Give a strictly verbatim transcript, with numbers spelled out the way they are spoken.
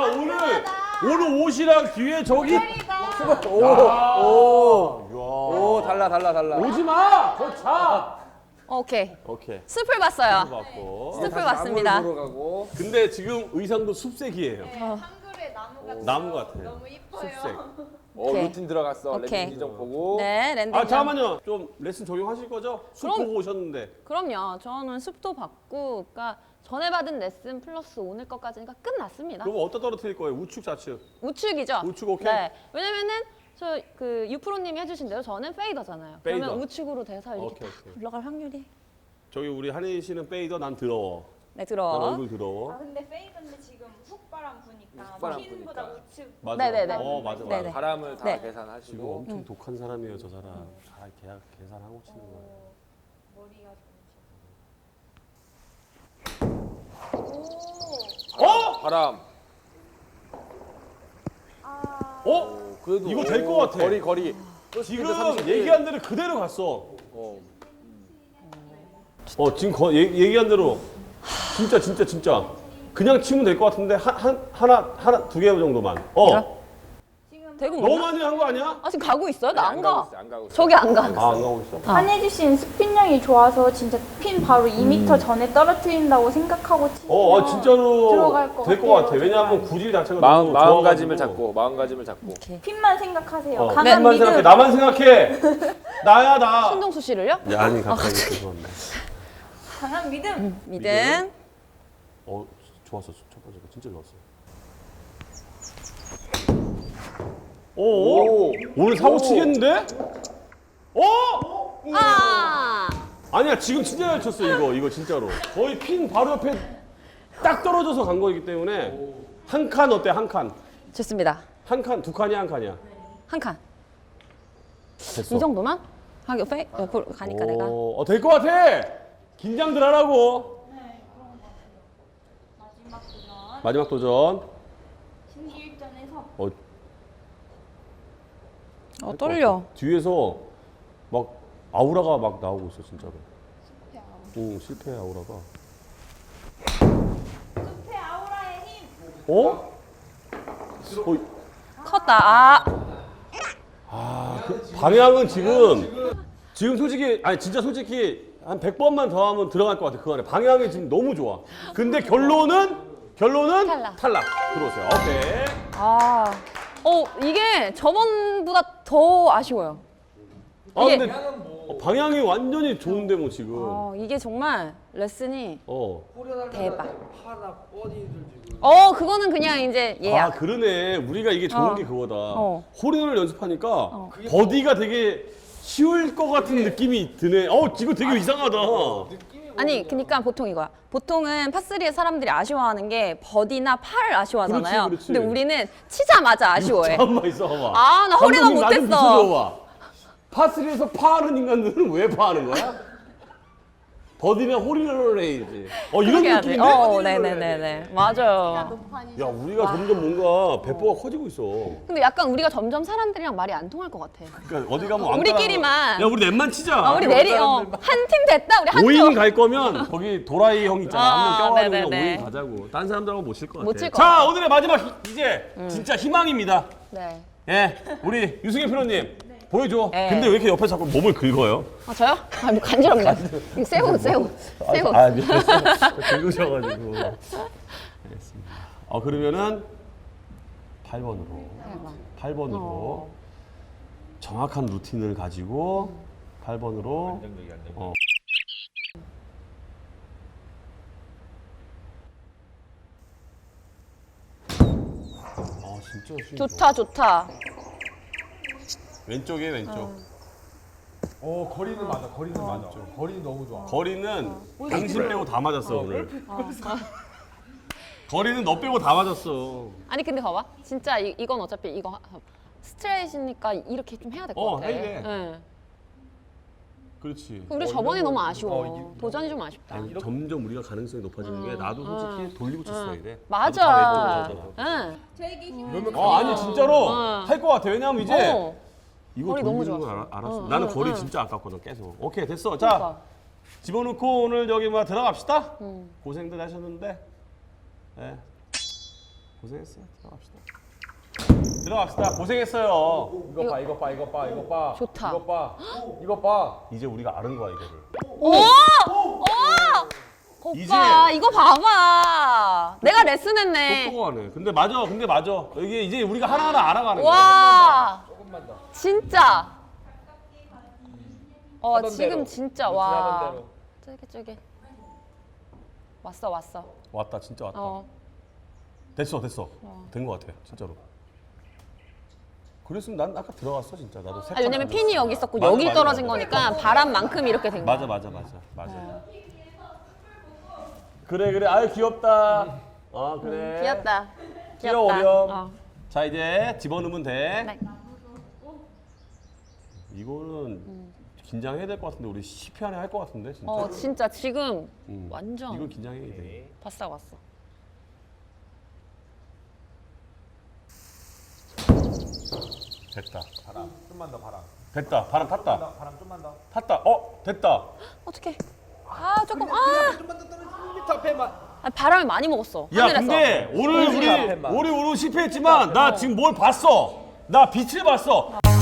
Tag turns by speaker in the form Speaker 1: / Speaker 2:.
Speaker 1: 오늘 오늘 옷이랑 뒤에 저기
Speaker 2: 오, 오, 오, 달라, 달라, 달라.
Speaker 1: 오지 마. 거 자.
Speaker 3: 오케이.
Speaker 1: 오케이.
Speaker 3: 숲을 봤어요.
Speaker 1: 받고.
Speaker 3: 숲을 봤습니다.
Speaker 2: 나무를 보러 가고.
Speaker 1: 근데 지금 의상도 숲색이에요.
Speaker 4: 네, 한글에 나무가
Speaker 1: 나무 같아요.
Speaker 4: 너무 이뻐요.
Speaker 1: 숲색.
Speaker 2: 어,
Speaker 3: 오케이.
Speaker 2: 루틴 들어갔어.
Speaker 3: 오케이.
Speaker 2: 랜딩 지정 보고.
Speaker 3: 네, 랜딩.
Speaker 1: 아 잠깐만요. 좀 레슨 적용하실 거죠? 숲
Speaker 3: 그럼.
Speaker 1: 보고 오셨는데.
Speaker 3: 그럼요. 저는 숲도 봤고, 그러니까 전에 받은 레슨 플러스 오늘 것까지니까 끝났습니다.
Speaker 1: 그럼 어디다 떨어뜨릴 거예요? 우측 좌측.
Speaker 3: 우측이죠?
Speaker 1: 우측 오케이.
Speaker 3: 네. 왜냐면은 저 그 유프로님이 해주신 대로 저는 페이더잖아요.
Speaker 1: 페이더.
Speaker 3: 그러면 우측으로 돼서 이렇게
Speaker 1: 오케이,
Speaker 3: 딱
Speaker 1: 오케이.
Speaker 3: 올라갈 확률이.
Speaker 1: 저기 우리 한혜인 씨는 페이더, 난 더러워.
Speaker 3: 네,
Speaker 1: 난
Speaker 3: 들어.
Speaker 1: 얼굴 더러워.
Speaker 4: 아 근데 페이드인데 지금 훅바람 부니까
Speaker 2: 훅바람
Speaker 4: 핀보다
Speaker 2: 부니까.
Speaker 4: 우측.
Speaker 1: 맞아.
Speaker 3: 네네네.
Speaker 1: 어 맞아 맞아.
Speaker 3: 네네.
Speaker 2: 바람을 다
Speaker 3: 네.
Speaker 1: 지금
Speaker 2: 계산하시고.
Speaker 1: 엄청 독한 사람이에요 저 사람. 다 계약 계산하고 치는 거예요.
Speaker 4: 어, 머리가 좋으시고.
Speaker 1: 어?
Speaker 2: 바람.
Speaker 4: 아.
Speaker 1: 어?
Speaker 2: 오, 그래도
Speaker 1: 이거 될
Speaker 2: 오,
Speaker 1: 것 같아.
Speaker 2: 거리, 거리.
Speaker 1: 지금
Speaker 2: 삼십일.
Speaker 1: 얘기한 대로 그대로 갔어.
Speaker 2: 어.
Speaker 1: 어 지금 거, 얘, 얘기한 대로 진짜 진짜 진짜 그냥 치면 될 것 같은데 한, 한 하나 하나 두 개 정도만. 어.
Speaker 4: 지금
Speaker 3: 대구
Speaker 1: 너무
Speaker 3: 몰라?
Speaker 1: 많이 한 거 아니야?
Speaker 3: 아, 지금 가고 있어요? 나 안
Speaker 2: 가고
Speaker 3: 가.
Speaker 2: 있어, 안 가고 있어.
Speaker 3: 저기 안 가.
Speaker 1: 아 안 가고 있어.
Speaker 4: 한혜지 씨는 스핀량이 좋아서 진짜 핀 바로 이 미터 전에 떨어뜨린다고 생각하고 치면
Speaker 1: 어, 어 진짜로
Speaker 4: 들어갈 것
Speaker 1: 될 것
Speaker 4: 같아요,
Speaker 1: 같아. 왜냐하면
Speaker 4: 정말.
Speaker 1: 구질 자체가
Speaker 2: 마음,
Speaker 1: 너무
Speaker 2: 마음가짐을
Speaker 1: 좋아가지고.
Speaker 2: 잡고, 마음가짐을 잡고.
Speaker 3: 오케이.
Speaker 4: 핀만 생각하세요.
Speaker 1: 어,
Speaker 4: 강한
Speaker 1: 나만
Speaker 4: 믿음.
Speaker 1: 생각해. 나만 생각해. 나야 나.
Speaker 3: 신동수 씨를요?
Speaker 1: 야, 아니 갑자기 죄송한데.
Speaker 4: 강한 믿음.
Speaker 3: 믿음.
Speaker 1: 어 좋았어 첫 번째 거 진짜 좋았어. 오, 오. 오늘 사고
Speaker 2: 오.
Speaker 1: 치겠는데? 어?
Speaker 3: 아!
Speaker 1: 아니야 지금 진짜 잘 쳤어 이거 이거 진짜로. 거의 핀 바로 옆에 딱 떨어져서 간 거이기 때문에 한 칸 어때 한 칸?
Speaker 3: 좋습니다.
Speaker 1: 한 칸, 두 칸이야 한 칸이야?
Speaker 3: 한 칸.
Speaker 1: 됐어.
Speaker 3: 이 정도만? 하기 페이 옆으로 가니까 내가.
Speaker 1: 어, 될 것 같아. 긴장들 하라고.
Speaker 4: 마지막 도전.
Speaker 1: 마지막 도전.
Speaker 4: 신기일전에서
Speaker 1: 어,
Speaker 3: 어, 떨려.
Speaker 1: 뒤에서 막 아우라가 막 나오고 있어 진짜로. 응 실패 아우라가.
Speaker 4: 숲의 아우라의 힘.
Speaker 1: 어? 어,
Speaker 3: 컸다. 아.
Speaker 1: 아, 그 방향은 지금 지금 솔직히 아니 진짜 솔직히 한 백 번만 더 하면 들어갈 것 같아 그 안에. 방향이 지금 너무 좋아. 근데 결론은 결론은
Speaker 3: 탈락.
Speaker 1: 탈락. 들어오세요. 오케이.
Speaker 3: 아. 어, 이게 저번보다 더 아쉬워요.
Speaker 1: 아
Speaker 3: 이게-
Speaker 1: 근데 어, 방향이 완전히 좋은데 뭐 지금.
Speaker 3: 어, 이게 정말 레슨이
Speaker 1: 어.
Speaker 3: 대박. 어, 그거는 그냥 이제
Speaker 1: 아
Speaker 3: 예약.
Speaker 1: 그러네. 우리가 이게 좋은
Speaker 3: 어.
Speaker 1: 게 그거다.
Speaker 3: 어.
Speaker 1: 홀인원을 연습하니까 버디가 되게 쉬울 것 같은 느낌이 드네. 어 지금 되게 이상하다.
Speaker 3: 아니, 그러니까 보통 이거야. 보통은 파쓰리의 사람들이 아쉬워하는 게 버디나 팔을 아쉬워하잖아요.
Speaker 1: 그렇지, 그렇지.
Speaker 3: 근데 우리는 치자마자 아쉬워해.
Speaker 1: 잠깐만 있어봐.
Speaker 3: 아, 나 홀인원
Speaker 1: 감독님, 나좀
Speaker 3: 못했어.
Speaker 1: 비춰줘봐. 파스리에서 파하는 인간들은 왜 파하는 거야? 버디면 홀인원을 해야지. 어 이런
Speaker 3: 그렇게 해야 돼.
Speaker 1: 느낌인데?
Speaker 3: 어, 네네네네. 맞아요.
Speaker 4: 높아니.
Speaker 1: 야 우리가 점점 뭔가 배포가 커지고 있어.
Speaker 3: 근데 약간 우리가 점점 사람들이랑 말이 안 통할 것 같아.
Speaker 1: 그러니까 어디 가면 왕따라-
Speaker 3: 우리끼리만.
Speaker 1: 야 우리 넷만 치자.
Speaker 3: 아, 우리 내리, 어, 한 팀 됐다. 우리 한
Speaker 1: 오 인
Speaker 3: 쪽.
Speaker 1: 갈 거면 거기 도라이 형 있잖아.
Speaker 3: 아,
Speaker 1: 한 명 껴가지고 그냥
Speaker 3: 네네네.
Speaker 1: 오 인 가자고. 딴 사람들하고 못 칠 것 같아.
Speaker 3: 못 칠 것
Speaker 1: 자
Speaker 3: 같아.
Speaker 1: 오늘의 마지막 히- 이제 진짜 희망입니다.
Speaker 3: 네.
Speaker 1: 예, 우리 유승현 프로님 보여줘.
Speaker 3: 네.
Speaker 1: 근데 왜 이렇게 옆에 자꾸 몸을 긁어요?
Speaker 3: 아, 저요? 아, 뭐 간지럽네. 이거 새우, 새우, 새우.
Speaker 1: 아, 미안했어. 긁으셔가지고. 알겠습니다. 어, 그러면은 팔 번으로. 팔 번으로.
Speaker 3: 어.
Speaker 1: 정확한 루틴을 가지고 팔 번으로. 어. 아, 진짜 쉬운 거.
Speaker 3: 좋다, 좋다.
Speaker 1: 왼쪽에 왼쪽.
Speaker 5: 어 거리는 맞아 거리는 맞아 거리는 너무 좋아
Speaker 1: 거리는 당신 빼고 다 맞았어 오늘. 거리는 너 빼고 다 맞았어.
Speaker 3: 아니, 근데 봐봐. 진짜 이, 이건 어차피 이거 하- 스트레이트니까 이렇게 좀 해야 될 것
Speaker 1: 어,
Speaker 3: 같아.
Speaker 1: 해야 돼.
Speaker 3: 네.
Speaker 1: 그렇지.
Speaker 3: 우리
Speaker 5: 어,
Speaker 3: 저번에
Speaker 5: 이런
Speaker 3: 너무
Speaker 5: 거-
Speaker 3: 아쉬워.
Speaker 5: 어, 이-
Speaker 3: 도전이 좀 아쉽다.
Speaker 1: 아니, 점점 우리가 가능성이 높아지는 게 나도 솔직히 돌리고 쳤어야 돼.
Speaker 3: 맞아.
Speaker 1: 나도 다 왼쪽으로 하잖아.
Speaker 3: 응.
Speaker 4: 되게 힘.
Speaker 5: 그러면
Speaker 1: 어 아니 진짜로
Speaker 3: 어.
Speaker 1: 할 것 같아. 왜냐면 이제
Speaker 3: 어.
Speaker 1: 이거
Speaker 3: 거리 너무
Speaker 1: 돌리는 건
Speaker 3: 좋았어.
Speaker 1: 알아, 알았어.
Speaker 3: 어,
Speaker 1: 나는
Speaker 3: 응,
Speaker 1: 거리
Speaker 3: 응.
Speaker 1: 진짜 아깝거든 계속. 오케이 됐어. 자
Speaker 3: 그러니까.
Speaker 1: 집어넣고 오늘 저기 뭐 들어갑시다.
Speaker 3: 응.
Speaker 1: 고생들 하셨는데. 네. 고생했어. 들어갑시다. 들어갑시다. 고생했어요.
Speaker 5: 이거 봐, 이거 봐, 이거 봐, 이거 봐.
Speaker 3: 좋다.
Speaker 5: 이거 봐, 이거 봐.
Speaker 1: 이제 우리가 아는 거야 이거를.
Speaker 3: 오! 오! 오빠 이거 봐봐. 내가 레슨했네.
Speaker 1: 똑똑하네. 근데 맞아. 근데 맞아. 이게 이제 우리가 하나하나 알아가는 거야.
Speaker 3: 와
Speaker 5: 조금만 더.
Speaker 3: 진짜. 어
Speaker 2: 하던
Speaker 3: 지금
Speaker 2: 대로.
Speaker 3: 진짜
Speaker 2: 하던
Speaker 3: 와.
Speaker 2: 대로.
Speaker 3: 쫄깃쫄깃. 왔어 왔어.
Speaker 1: 왔다. 진짜 왔다.
Speaker 3: 어.
Speaker 1: 됐어. 됐어. 된 거 같아. 진짜로. 그랬으면 난 아까 들어갔어 진짜. 나도 세
Speaker 3: 아, 왜냐면
Speaker 1: 칸
Speaker 3: 핀이 여기 있었고
Speaker 1: 맞아,
Speaker 3: 여기
Speaker 1: 맞아,
Speaker 3: 떨어진
Speaker 1: 맞아.
Speaker 3: 거니까 바람만큼 이렇게 된 거야.
Speaker 1: 맞아 맞아 맞아 맞아. 그래 그래. 아유 귀엽다. 어 그래.
Speaker 3: 귀엽다.
Speaker 1: 귀여워,
Speaker 3: 귀엽다.
Speaker 1: 어려.
Speaker 3: 어.
Speaker 1: 자 이제 집어넣으면 돼.
Speaker 3: 네.
Speaker 1: 이거는 긴장해야 될 것 같은데 우리 십 회 안에 할 것 같은데 진짜.
Speaker 3: 어 진짜 지금
Speaker 1: 음.
Speaker 3: 완전
Speaker 1: 이건 긴장해야 돼.
Speaker 3: 바싹 왔어.
Speaker 1: 됐다.
Speaker 5: 바람, 좀만 더 바람.
Speaker 1: 됐다. 바람 탔다.
Speaker 5: 나 바람 좀만 더.
Speaker 1: 탔다. 어 됐다.
Speaker 3: 어떡해. 아 조금 아,
Speaker 5: 좀만 더 떨어지면 일 미터 앞에만.
Speaker 3: 아 바람을 많이 먹었어.
Speaker 1: 야
Speaker 3: 하늘에서.
Speaker 1: 근데 오늘
Speaker 2: 우리
Speaker 1: 우리
Speaker 2: 앞에만.
Speaker 1: 우리 오늘 실패했지만 나 지금 뭘 봤어. 나 빛을 봤어.